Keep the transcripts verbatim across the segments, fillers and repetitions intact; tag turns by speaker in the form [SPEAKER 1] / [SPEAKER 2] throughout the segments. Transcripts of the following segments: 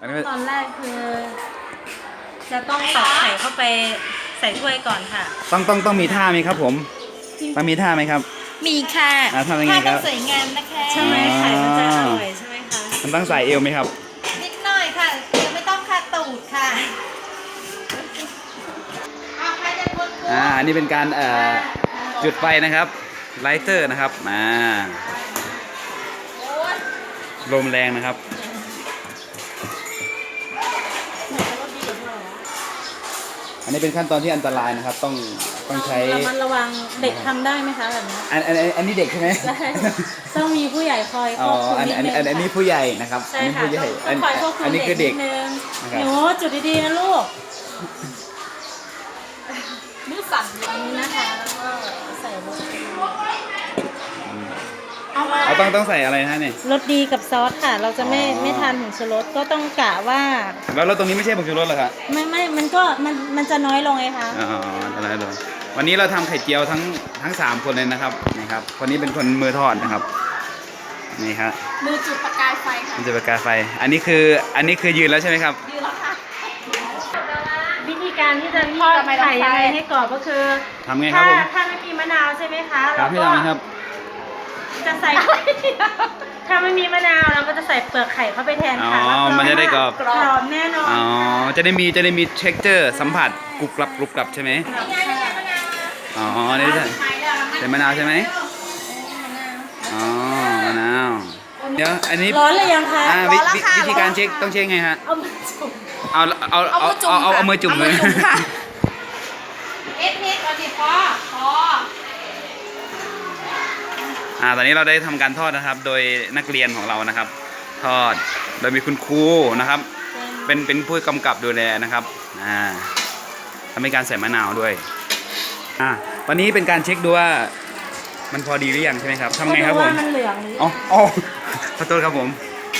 [SPEAKER 1] นนี้
[SPEAKER 2] ตอนแรกคือจะต้องตอกไข่เข้าไปใส่ถ้วยก่อนค่ะ
[SPEAKER 1] ต้องต้องต้องมีท่าไหมครับผมต้องมีท่าไหมครับ
[SPEAKER 3] มีค่ะ
[SPEAKER 1] อ่าทำยังไงครับ
[SPEAKER 3] ภาพต้องสวยงามนะคะ
[SPEAKER 2] ใช่ไหมไข่มันจะอร่อยใช่ไหมคะ
[SPEAKER 1] มันต้องใส่เอวไหมครับ
[SPEAKER 3] นิดหน่อยค่ะเดี๋ยวไม่ต้องคาตูดค่ะเอาใครจะกด
[SPEAKER 1] อ่าอันนี้เป็นการเอ่อจุดไฟนะครับไลเตอร์นะครับมาลมแรงนะครับอันนี้เป็นขั้นตอนที่อันตรายนะครับ ต้องต้องใช้
[SPEAKER 2] ระมัดระวังเด็กทำได้ไหมคะแบบนี้
[SPEAKER 1] อันอันอันอันนี้เด็กใช่ไหม
[SPEAKER 2] ใช่ต้องมีผู้ใหญ่คอยค
[SPEAKER 1] อ๋
[SPEAKER 2] ว
[SPEAKER 1] อบ
[SPEAKER 2] คุม
[SPEAKER 1] อัน
[SPEAKER 2] นิด
[SPEAKER 1] อัน
[SPEAKER 2] นึง
[SPEAKER 1] อันอันนี้ผู้ใหญ่นะครับ
[SPEAKER 2] ใช่
[SPEAKER 1] อันนี้
[SPEAKER 2] ค่ะ
[SPEAKER 1] ผู้ใหญ่
[SPEAKER 2] ต้องคอยควบคุ
[SPEAKER 1] อั
[SPEAKER 2] ม
[SPEAKER 1] นนี้
[SPEAKER 2] เด็ก
[SPEAKER 1] คือเด็
[SPEAKER 2] นิ
[SPEAKER 1] ก
[SPEAKER 2] ดนึง
[SPEAKER 1] นะครับ
[SPEAKER 2] หนูจุดดีๆนะลูก
[SPEAKER 3] มือสั่น
[SPEAKER 2] อันนี้นะคะแล้วก็ใส่รสดี
[SPEAKER 3] เอามา
[SPEAKER 1] เอาต้องต้องใส่อะไรนะเนี่ย
[SPEAKER 2] รสดีกับซอสค่ะ เราจะไม่
[SPEAKER 1] อ๋อ
[SPEAKER 2] ไม่ทานผงชูรสก็ต้องกะว่า
[SPEAKER 1] แล้วแล้วตรงนี้ไม่ใช่ผงชูรสเหรอครับ
[SPEAKER 2] ไม่ไม่มันก็มันมันจะน้อยลงไงคะ
[SPEAKER 1] อ๋ออะไรเลยวันนี้เราทำไข่เจียวทั้งทั้งสามคนเลยนะครับนี่ครับคนนี้เป็นคนมือทอดนะครับนี่ครับ
[SPEAKER 3] มือจุดประกายไฟค่ะ
[SPEAKER 1] มันจะประกายไฟ อันนี้คืออันนี้คือยืนแล้วใช่ไหมครับ
[SPEAKER 3] ยืนแล้วค่ะ
[SPEAKER 2] วิธีการที่จะทอดไข่ยังไงให้กรอบก็คือ
[SPEAKER 1] ทำไงครับ
[SPEAKER 2] ถ้า
[SPEAKER 1] ผม
[SPEAKER 2] ถ้าไม่มีมะนาวใช่ไหมคะ
[SPEAKER 1] ครับให้
[SPEAKER 2] เรา
[SPEAKER 1] ทำ
[SPEAKER 2] ก็
[SPEAKER 1] นะครับ
[SPEAKER 2] จะใส่ ถ้าไม่มีมะนาวเราก็จะใส่เปลือกไข่เข้าไปแทน
[SPEAKER 1] อ๋อ
[SPEAKER 2] ค่ะรับรอง
[SPEAKER 1] มันจะได้กรอบ
[SPEAKER 2] ว่ากรอบแน่นอน
[SPEAKER 1] อ๋อจะได้มีจะได้มี texture สัมผัสกรุบกรับกรุบกรับใช่ไหม
[SPEAKER 3] นี่ไงนี่ไงมะนาว
[SPEAKER 1] อ๋อนี่ใช่
[SPEAKER 3] ไปแล้ว
[SPEAKER 1] ใส่มะนาวใช่ไหมอ๋อมะนาวเดี๋ยวอันนี้
[SPEAKER 2] ร้อนเลยยังคะ
[SPEAKER 1] อ่าวิวิวิธีการเช็คต้องเช็คไงฮะ
[SPEAKER 2] เอามาจุ่ม
[SPEAKER 1] เอาเอาเอาเอาเอาเอามือจุ่มเลย
[SPEAKER 3] เอ็ดนิดก่อนดิพอพอ
[SPEAKER 1] อ่าตอนนี้เราได้ทำการทอดนะครับ โดยนักเรียนของเรานะครับ ทอดโดยมีคุณครูนะครับ เป็นเป็นผู้กำกับดูแลนะครับอ่าทำให้การใส่มะนาวด้วยอ่าวันนี้เป็นการเช็คดูว่ามันพอดีหรือยังใช่ไหมครับทำไงครับผม
[SPEAKER 2] ก็ดูว่ามันเหลืองหรือ
[SPEAKER 1] อ๋ออ๋อขอโทษครับผม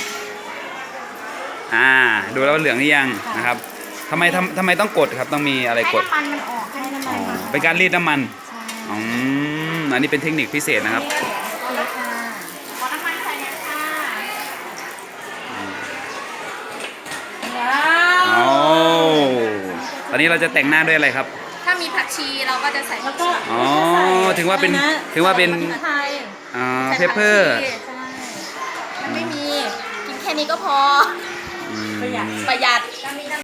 [SPEAKER 1] อ่าดูแล้วว่าเหลืองหรือยังนะครับทำไมทำทำไมต้องกดครับต้องมีอะไร
[SPEAKER 3] ให้
[SPEAKER 1] กด
[SPEAKER 3] น้ำมันมันออกให้น้ำ
[SPEAKER 1] อ๋
[SPEAKER 3] มั
[SPEAKER 1] อน
[SPEAKER 3] มัน
[SPEAKER 1] เป็นการรีดน้ำมัน
[SPEAKER 3] ใช่
[SPEAKER 1] อืมอันนี้เป็นเทคนิคพิเศษนะครับ
[SPEAKER 2] โอเคค่ะ
[SPEAKER 3] ขอน้ำมันใส่นะคะ
[SPEAKER 2] ว้า
[SPEAKER 1] โอ้
[SPEAKER 2] ว
[SPEAKER 1] ตอนนี้เราจะแต่งหน้าด้วยอะไรครับ
[SPEAKER 3] ถ้ามีผักชีเราก็จะใส่
[SPEAKER 2] แล้วก็
[SPEAKER 1] อ๋อ
[SPEAKER 2] ใส่
[SPEAKER 1] ถึงว่าเป็น
[SPEAKER 2] อะไระ
[SPEAKER 1] ถึงว่าเป็น
[SPEAKER 2] พริกไทย
[SPEAKER 1] อ่า
[SPEAKER 3] ใส่
[SPEAKER 1] เพปเปอร์
[SPEAKER 3] ผักชีมันไม่มี กินแค่นี้ก็พอ
[SPEAKER 2] ประหยัด
[SPEAKER 3] ประหยัด